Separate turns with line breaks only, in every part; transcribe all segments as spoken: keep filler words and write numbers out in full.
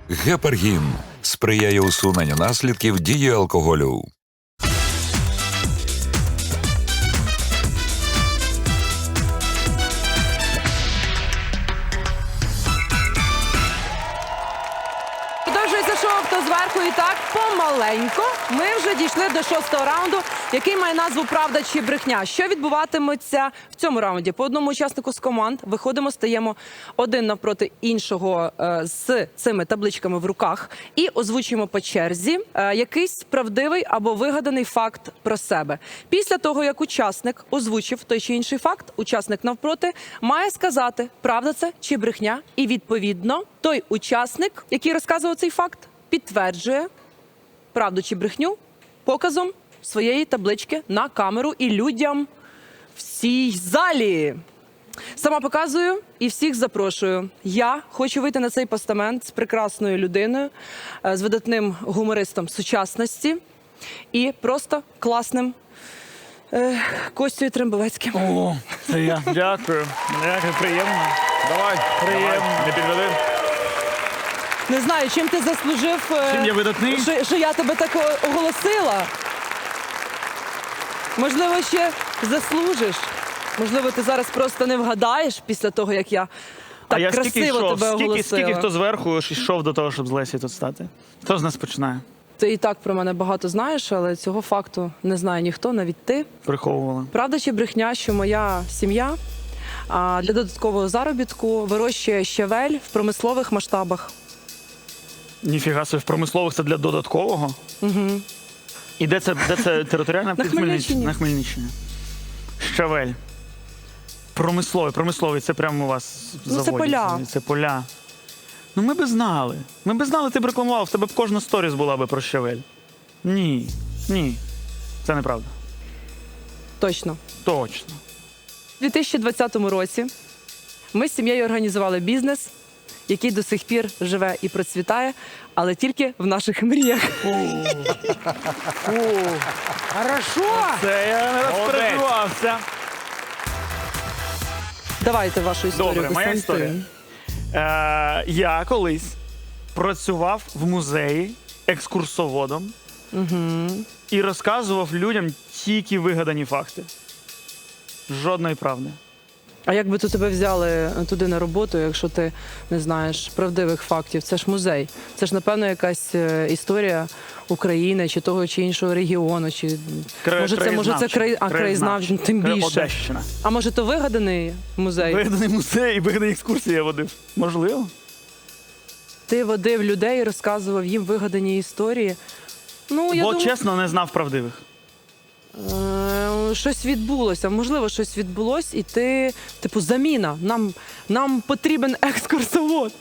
Гепаргін сприяє усуненню наслідків дії алкоголю.
Продовжується шоу «Хто зверху» і так помаленько. Ми вже дійшли до шостого раунду, який має назву «Правда чи брехня». Що відбуватиметься в цьому раунді? По одному учаснику з команд виходимо, стаємо один навпроти іншого е, з цими табличками в руках і озвучуємо по черзі е, якийсь правдивий або вигаданий факт про себе. Після того, як учасник озвучив той чи інший факт, учасник навпроти має сказати, правда це чи брехня, і відповідно той учасник, який розказував цей факт, підтверджує правду чи брехню показом своєї таблички на камеру і людям в цій залі. Сама показую і всіх запрошую. Я хочу вийти на цей постамент з прекрасною людиною, е, з видатним гумористом сучасності і просто класним е, Костею Трембовецьким.
О, це я. Дякую. Дякую, приємно.
Давай,
Приємно.
давай, не підведи.
Не знаю, чим ти заслужив, е,
Чим я видатний?
що, що я тебе так о- оголосила. Можливо, ще заслужиш. Можливо, ти зараз просто не вгадаєш після того, як я так
а я
красиво
скільки йшов?
тебе
Скільки,
оголосила.
скільки хто зверху йшов до того, щоб з Лесі тут стати? Хто з нас починає?
Ти і так про мене багато знаєш, але цього факту не знає ніхто, навіть ти.
Приховували.
Правда чи брехня, що моя сім'я а, для додаткового заробітку вирощує щавель в промислових масштабах?
Ніфіга собі, в промислових це для додаткового?
Угу.
І де це, де це територіальна?
На Хмельниччині.
На Хмельниччині. Щавель. Промисловий, промисловий, це прямо у вас
Ну, це
заводі.
поля.
Це поля. Ну ми би знали. Ми би знали, ти б рекламував, в тебе б кожна сторіс була би про щавель. Ні, ні. Це неправда.
Точно.
Точно.
У дві тисячі двадцятому році ми з сім'єю організували бізнес, який до сих пір живе і процвітає, але тільки в наших мріях.
Хорошо!
Це я не розпереживався.
Давайте вашу історію,
Добре, моя
Костянтин.
історія. Е, я колись працював в музеї екскурсоводом і розказував людям тільки вигадані факти. Жодної правди.
А як би то тебе взяли туди на роботу, якщо ти не знаєш правдивих фактів? Це ж музей. Це ж, напевно, якась е, історія України чи того чи іншого регіону. Чи...
Кра-
може, це, може, це край... а, краєзнавчий, тим
Кра-
більше.
Одещина.
А може, то вигаданий музей?
Вигаданий музей і вигадані екскурсії я водив. Можливо.
Ти водив людей і розказував їм вигадані історії. Ну, я
Бо
думаю,
чесно не знав правдивих.
е, щось відбулося. Можливо, щось відбулося, і ти, типу, заміна. Нам, нам потрібен екскурсовод.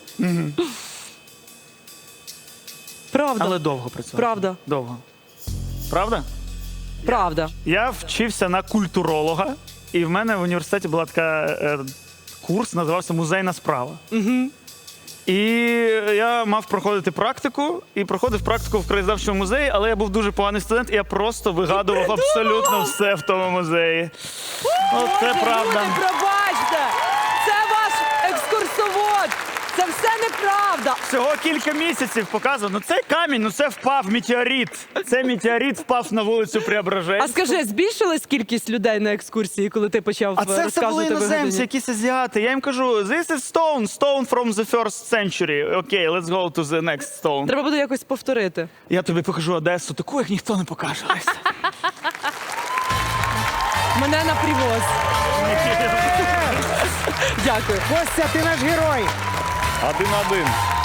Правда.
Але довго працював.
Правда.
Довго. Правда?
Правда.
Я вчився на культуролога, і в мене в університеті була така е, курс, називався Музейна справа.
Угу.
І я мав проходити практику, і проходив практику в краєзнавчому музеї, але я був дуже поганий студент, і я просто вигадував абсолютно все в тому музеї. Оце правда.
Люди, пробачте! Це ваш екскурсовод! Це все неправда!
Всього кілька місяців показував. Ну це камінь, ну це впав метеорит. Це метеорит впав на вулицю
А
Преображенську.
скажи, збільшилась кількість людей на екскурсії, коли ти почав
А це все були
розказувати
іноземці,
вигадані?
якісь азіати. Я їм кажу, this is stone, stone from the first century. Окей, let's go to the next stone.
Треба буде якось повторити.
Я тобі покажу Одесу, таку, як ніхто не покаже. Леся.
Мене на привоз. Дякую.
Костя, ти наш герой!
Один-один.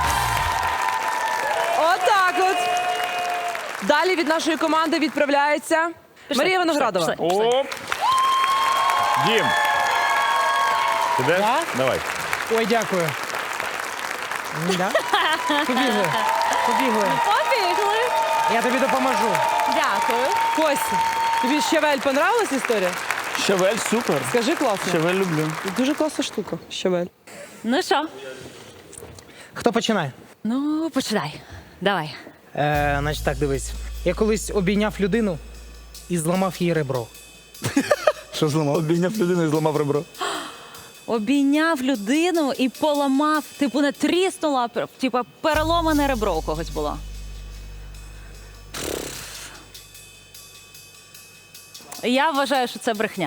Отак от. Далі від нашої команди відправляється Марія Виноградова.
пішли.
Оп. Дім. Підеш?
Я?
Давай.
Ой, дякую. М, Да? Побігли. Побігли.
Побігли.
Я тобі допоможу.
Дякую.
Костя, тобі щавель понравилась історія?
Щавель супер.
Скажи класно.
Щавель люблю.
Дуже класна штука. Щавель.
Ну що?
Хто починає?
Ну, починай. Давай.
Е, значить так, дивись. Я колись обійняв людину і зламав їй ребро.
Що зламав? Обійняв людину і зламав ребро.
Обійняв людину і поламав, типу не тріснула, типу переломане ребро у когось було. Я вважаю, що це брехня.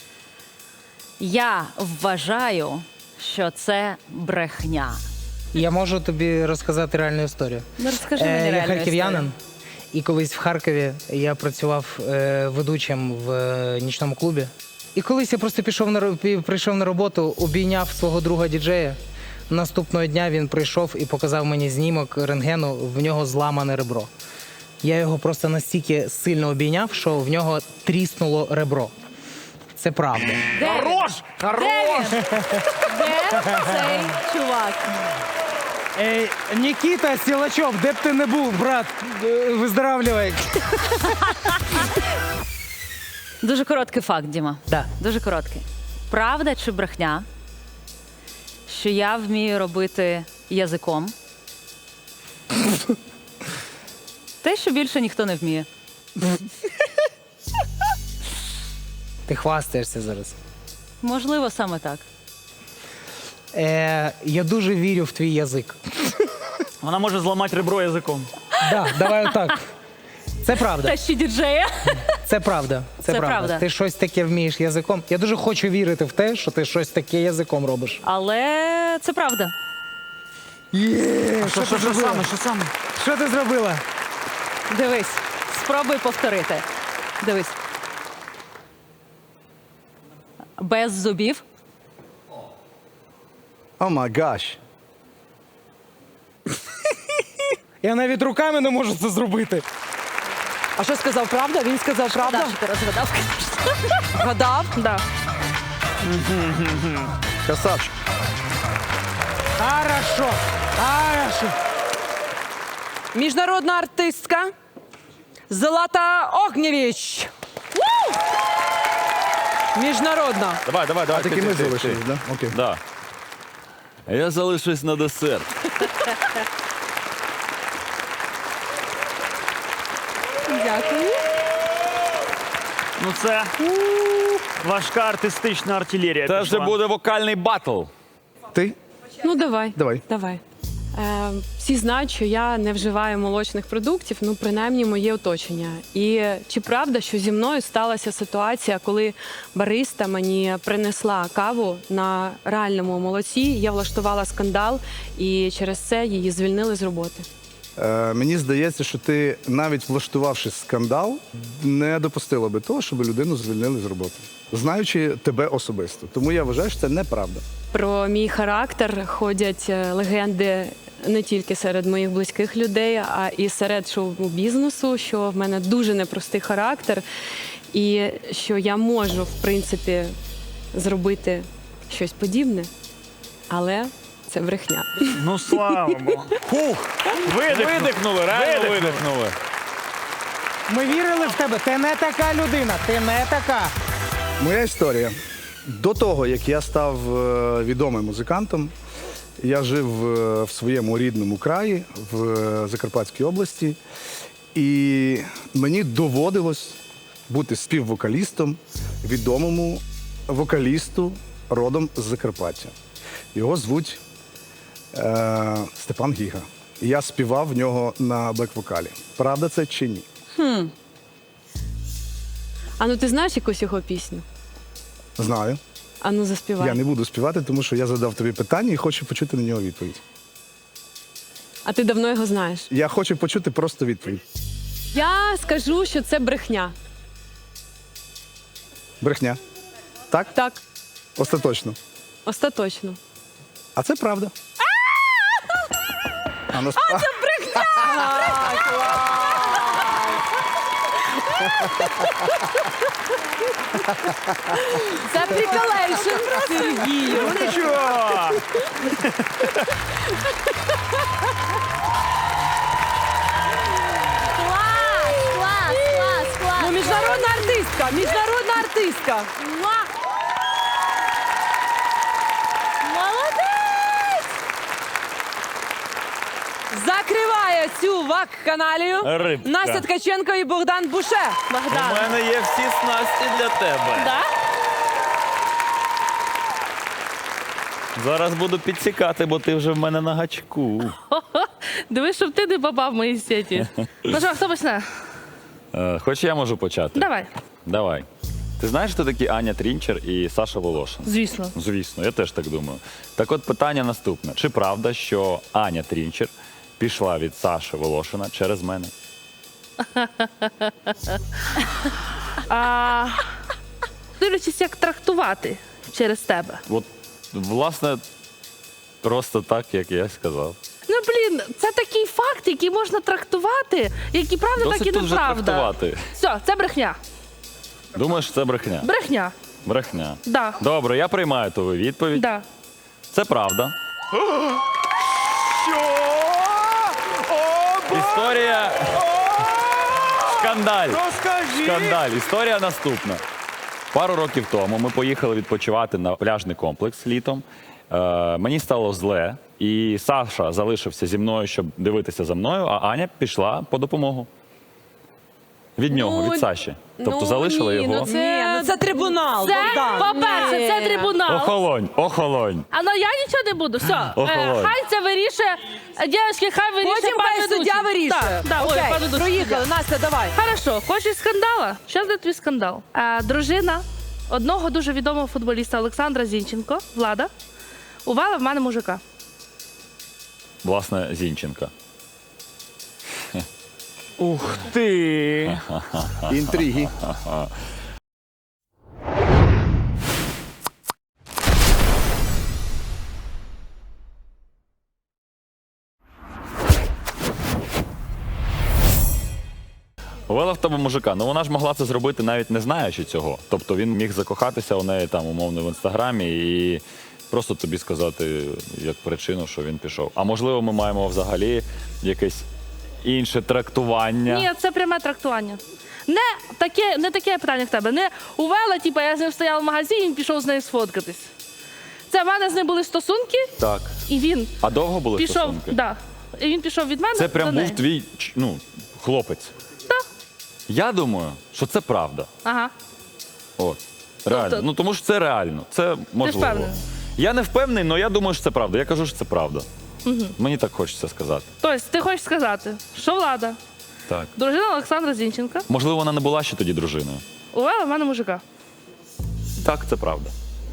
Я вважаю, що це брехня.
Я можу тобі розказати реальну історію.
Ну, розкажи мені
Е, Я
реальну
харків'янин,
історію.
і колись в Харкові я працював е, ведучим в е, нічному клубі. І колись я просто пішов на ро- пі- прийшов на роботу, обійняв свого друга діджея. Наступного дня він прийшов і показав мені знімок рентгену, в нього зламане ребро. Я його просто настільки сильно обійняв, що в нього тріснуло ребро. Це правда.
Де він?
Хорош! Хорош!
Де цей чувак?
Ей, Нікіта Сілачов, де б ти не був, брат, е, виздоравлювай.
Дуже короткий факт, Діма.
Да.
Дуже короткий. Правда чи брехня, що я вмію робити язиком? Те, що більше ніхто не вміє.
Ти хвастаєшся зараз.
Можливо, саме так.
Е, я дуже вірю в твій язик.
Вона може зламати ребро язиком.
Да, давай отак. Це правда.
Та ще діджея.
Це правда. Це,
Це
правда.
правда.
Ти щось таке вмієш язиком. Я дуже хочу вірити в те, що ти щось таке язиком робиш.
Але це правда.
Є,
Що, що, що саме? Що саме?
Що ти зробила?
Дивись, спробуй повторити. Дивись. Без зубів.
О май гаш.
Я навіть руками не можу це зробити.
А що сказав правда? Він сказав правда?
Да, що ти розгадав.
Гадав? Да.
Красавчик.
Хорошо. Хорошо.
Міжнародна артистка Злата Огнєвіч. Міжнародна.
Давай, давай, давай.
Тільки
ти,
ми
ти, ти,
залишились,
ти.
да? Окей.
Да. А я залишусь на десерт.
Дякую.
Ну це важка артистична артилерія.
Це вже
пішла.
буде вокальний батл.
Ти?
Ну, давай.
Давай.
Давай. Е, всі знають, що я не вживаю молочних продуктів, ну, принаймні, моє оточення. І чи правда, що зі мною сталася ситуація, коли бариста мені принесла каву на реальному молоці, я влаштувала скандал, і через це її звільнили з роботи.
Е, мені здається, що ти, навіть влаштувавши скандал, не допустила би того, щоб людину звільнили з роботи. Знаючи тебе особисто. Тому я вважаю, що це неправда.
Про мій характер ходять е, легенди не тільки серед моїх близьких людей, а і серед шоу-бізнесу, що в мене дуже непростий характер, і що я можу, в принципі, зробити щось подібне, але це брехня.
Ну слава Богу. Фух! Видихнули.
Видихнули, реально
Видихнули.
видихнули.
Ми вірили в тебе. Ти не така людина. Ти не така.
Моя історія. До того, як я став е, відомим музикантом, я жив е, в своєму рідному краї, в е, Закарпатській області, і мені доводилось бути співвокалістом відомому вокалісту родом з Закарпаття. Його звуть е, Степан Гіга. І я співав в нього на бек-вокалі. Правда це чи ні?
А ну ти знаєш якусь його пісню?
Знаю.
А ну заспівай.
Я не буду співати, тому що я задав тобі питання і хочу почути на нього відповідь.
А ти давно його знаєш?
Я хочу почути просто відповідь.
Я скажу, що це брехня.
Брехня. Так?
Так,
Остаточно.
остаточно.
А це правда. А, нас... а,
Це приколейшн Сергію.
Ну нічого.
Клас, клас, клас, клас.
Ну, міжнародна артистка, міжнародна артистка.
Муа! Молодець!
Закриває цю вак-каналію
Рибка.
Настя Ткаченко і Богдан Буше.
У
Богдан.
мене Ну, є всі снасті для тебе.
Да?
У мене є всі снасті для тебе.
Богдан.
Закриває цю вак-каналію Настя Ткаченко і Богдан Буше.
Богдан.
Зараз буду підсікати, бо ти вже в мене на гачку.
Дивись, щоб ти не попав в мої сеті. Ну що, хто почне?
Е, Хоч я можу почати?
Давай.
Давай. Ти знаєш, хто такі Аня Трінчер і Саша Волошин?
Звісно.
Звісно, я теж так думаю. Так от питання наступне. Чи правда, що Аня Трінчер пішла від Саші Волошина через мене?
А, дивлячись, як трактувати через тебе.
От, власне, просто так, як я сказав.
Ну, блін, це такий факт, який можна трактувати, як і правда,
Досить
так і
тут вже
неправда.
трактувати.
Все, це брехня.
Думаєш, це брехня?
Брехня.
Брехня.
Да.
Добре, я приймаю твою відповідь.
Да.
Це правда.
Що? О,
Історія. Скандаль.
розкажи!
Скандаль. Історія наступна. Пару років тому ми поїхали відпочивати на пляжний комплекс літом. Е, мені стало зле, і Саша залишився зі мною, щоб дивитися за мною, а Аня пішла по допомогу. Від нього,
Ну,
від Саші. Тобто
ну,
залишила
ні,
його.
ну це- Ні, ну це трибунал,
Це,
Богдан.
по-перше, це
Ні.
трибунал.
Охолонь, охолонь.
А ну я нічого не буду. Все. Е,
Охолонь.
хай це вирішує. Дівчатки, хай вирішує
Потім
пан
хай
ведучий.
суддя вирішує.
Так, да, ой,
Окей,
пан ведучий,
проїхали.
суддя.
Настя, давай.
Хорошо, хочеш скандала? Що за твій скандал? А, дружина одного дуже відомого футболіста Олександра Зінченко, Влада, увала в мене мужика.
Власне, Зінченка.
Ух ти!
Інтриги.
Увела в тебе мужика. Ну вона ж могла це зробити навіть не знаючи цього. Тобто він міг закохатися у неї там умовно в інстаграмі і просто тобі сказати як причину, що він пішов. А можливо, ми маємо взагалі якесь інше трактування.
Ні, це пряме трактування. Не таке, не таке питання в тебе. Не увела, типу, я з ним стояла в магазині, він пішов з нею сфоткатись. Це в мене з ним були стосунки,
Так.
і він
А довго були
пішов.
стосунки?
Да. І він пішов від мене.
Це
до
прям був
неї.
твій ч- ну, хлопець.
Так.
Я думаю, що це правда.
Ага.
От. Реально.
Тобто-
Ну тому що це реально. Це можливо.
впевнений?
Я не впевнений, але я думаю, що це правда. Я кажу, що це правда. Угу. Мені так хочеться сказати.
Тобто, ти хочеш сказати, що Влада,
Так.
дружина Олександра Зінченка,
Можливо, вона не була ще тоді дружиною.
увела в мене мужика.
Так, це правда.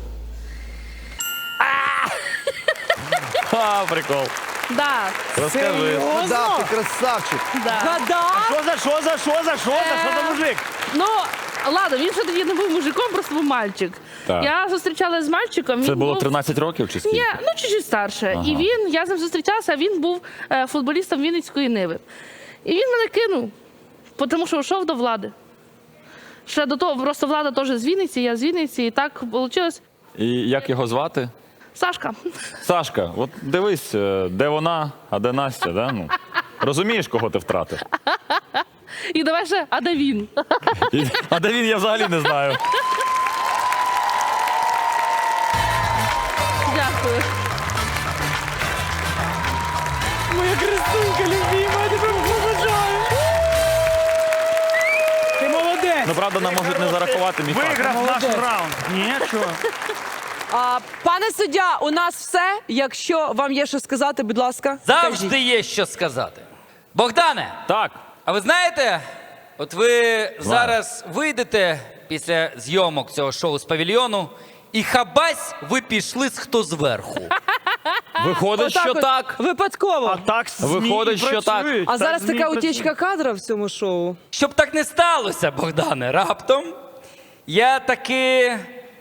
Ха, прикол.
Да.
Розкажи.
Да, ти красавчик.
Да.
Гадав?
Що за що за що за що за що за мужик?
Ну, ладно, він ще тоді не був мужиком, просто був мальчик.
Так.
Я зустрічалася з мальчиком.
Це
він
було
був...
тринадцять років чи скільки?
Ні, ну чуть-чуть старше.
Ага.
І він, я з ним зустрічалася, а він був е, футболістом Вінницької Ниви. І він мене кинув, тому що йшов до влади. Ще до того, просто влада теж з Вінниці, я з Вінниці, і так вийшло.
І як його звати?
Сашка.
Сашка, от дивись, е, де вона, а де Настя, да? Ну, розумієш, кого ти втратив?
І давай ще, а де він?
І- А де він, я взагалі не знаю.
Дякую.
Моя красунька любима, я тебе поважаю.
Ти молодець!
Ну, правда, нам можуть не зарахувати мій факт.
Виграв наш раунд. Ні, що?
А, пане суддя, у нас все. Якщо вам є що сказати, будь ласка,
Завжди
скажіть.
є що сказати. Богдане,
Так,
а ви знаєте, от ви зараз вийдете після зйомок цього шоу з павільйону, і хабась ви пішли з хто зверху.
виходить,
Отак
що
от,
так.
Випадково.
А так ЗМІ
Виходить,
і
що так.
працюють,
А
так
зараз
ЗМІ
така
працюють.
утічка кадра в цьому шоу.
Щоб так не сталося, Богдане, раптом, я таки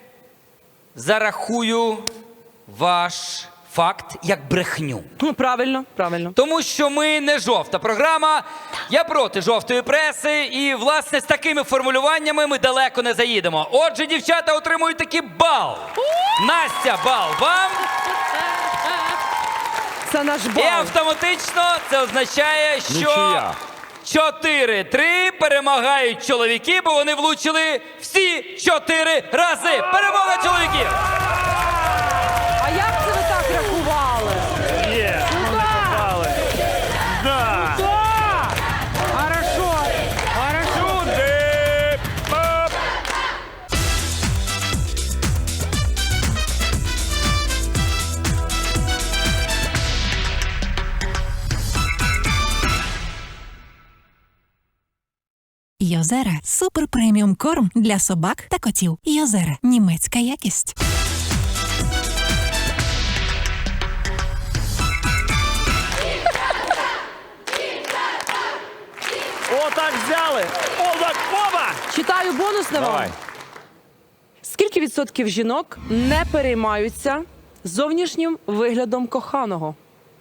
зарахую ваш факт як брехню.
Ну, правильно, правильно.
Тому що ми не жовта програма, я проти жовтої преси, і, власне, з такими формулюваннями ми далеко не заїдемо. Отже, дівчата отримують такий бал. Настя, бал вам.
Це наш
І
бал.
автоматично це означає, що
Нічия.
чотири-три перемагають чоловіки, бо вони влучили всі чотири рази. Перемога чоловіків!
А як це ви так рахували?
Є, вони попали. Да.
Хорошо.
Сюди. Оп.
Йозера – супер преміум корм для собак та котів. Йозера – німецька якість.
О, так взяли! О, так, оба!
Читаю бонусне вам.
Давай.
Скільки відсотків жінок не переймаються зовнішнім виглядом коханого?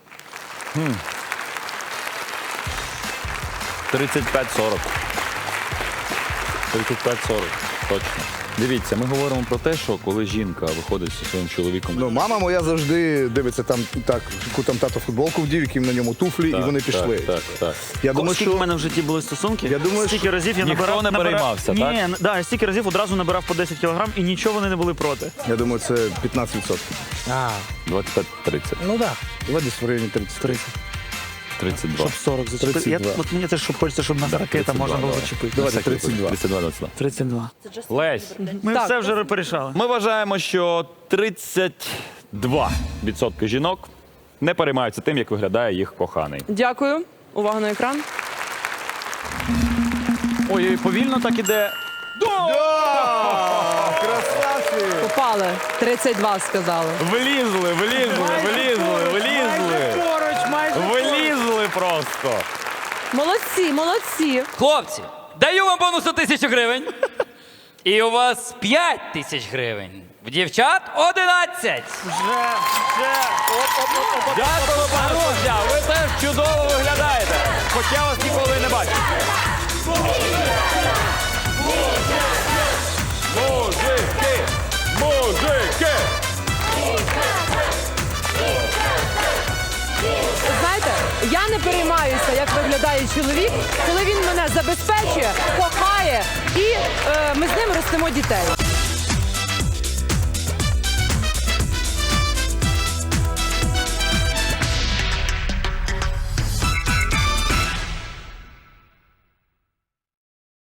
тридцять п'ять сорок. тридцять п'ять сорок. Точно. Дивіться, ми говоримо про те, що коли жінка виходить зі своїм чоловіком.
Ну, мама моя завжди дивиться там, так, яку там тато футболку вдів, які на ньому туфлі,
Так,
і вони пішли.
Так, так, так.
Я думаю,
Скільки
що
в мене в житті були стосунки?
Я думаю,
стільки
що-
разів я
Ніхто
набирав,
не
набирав...
переймався,
Ні,
так?
н- да, я стільки разів одразу набирав по десять кілограм, і нічого вони не були проти.
я думаю, це п'ятнадцять відсотків.
А,
двадцять п'ять тридцять.
ну так.
Давай десь в районі тридцять.
тридцять.
тридцять два.
Щоб сорок зачепити. Я,
тридцять два.
от мені теж щоб хочеться, щоб нас ракета
тридцять два,
можна було
давай.
зачепити.
Давайте
На всякий
тридцять два.
тридцять два, двадцять два.
тридцять два.
Лесь,
Ми
Так.
все вже порішали.
ми вважаємо, що тридцять два відсотки жінок не переймаються тим, як виглядає їх коханий.
Дякую. Увага на екран.
Ой, повільно так іде.
Красавці!
Попали. тридцять два сказали.
Влізли, влізли, влізли, влізли.
Поруч, майже.
Влізли просто.
Молодці, молодці.
Хлопці, даю вам бонус у тисячу гривень. І у вас п'ять тисяч гривень. В дівчат одинадцять.
Вже, вже. Оп, оп, оп, оп.
Дякую, пане суддя, ви теж чудово виглядаєте. Хоча вас ніколи не бачив. Мужики! Мужики!
Знаєте, я не переймаюся, як виглядає чоловік, коли він мене забезпечує, кохає і е, ми з ним ростимо дітей.